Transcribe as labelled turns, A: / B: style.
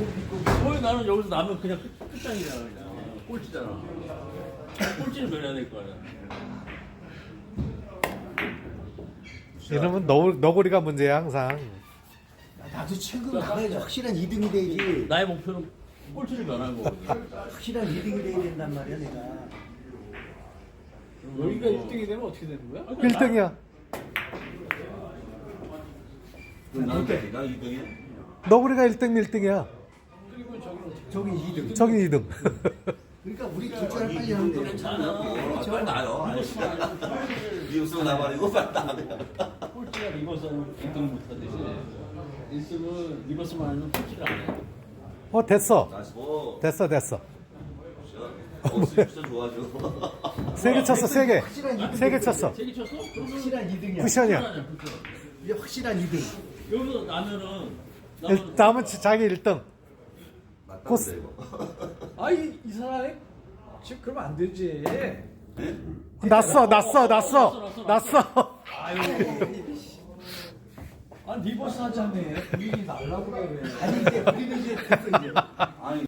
A: 거의 나는 여기서 나면 그냥 끝장이잖아 그냥 꼴찌잖아. 꼴찌를 변해야 될 거 아니야.
B: 이러면 너구리가 문제야 항상.
C: 나도 최근 나가야 확실한 2등이 돼야지.
A: 나의 목표는 꼴찌를 변하는 거거든.
C: 확실한 2등이 돼야 된단 말이야 내가.
D: 여기가 1등이 되면 어떻게 되는 거야?
B: 1등이야.
E: 나는 2등이야?
B: 너구리가 1등 1등이야.
D: 그리고 저기는 어떻게
C: 저기 2등.
B: 저기 2등.
C: 그러니까 우리 둘째를 빨리 하면 돼.
E: 괜찮아. 빨리 나요. 미국서 나발이고 빨리 나야
A: 꼴찌가 리버스 1등을 못하듯이 1등은 리버스만 하면 꼴찌를 안 해.
B: 됐어.
E: 나시고.
B: 됐어.
E: 진짜 좋아져.
B: 3개 쳤어 3개.
C: 확실한 2등.
B: 3개 쳤어.
A: 세개 쳤어? 그러면
C: 확실한 2등이야.
B: 쿠션이야.
C: 이게 확실한 2등.
A: 여기서 나면은
B: 남은 자기 1등.
E: 코스.
D: 아이 사람이 지금 그러면 안 되지.
B: 났어.
D: 아 리버스 하자네. 분위기 날라고 그래.
C: 아니 이제 우리는 이제 됐어 이제.
E: 아니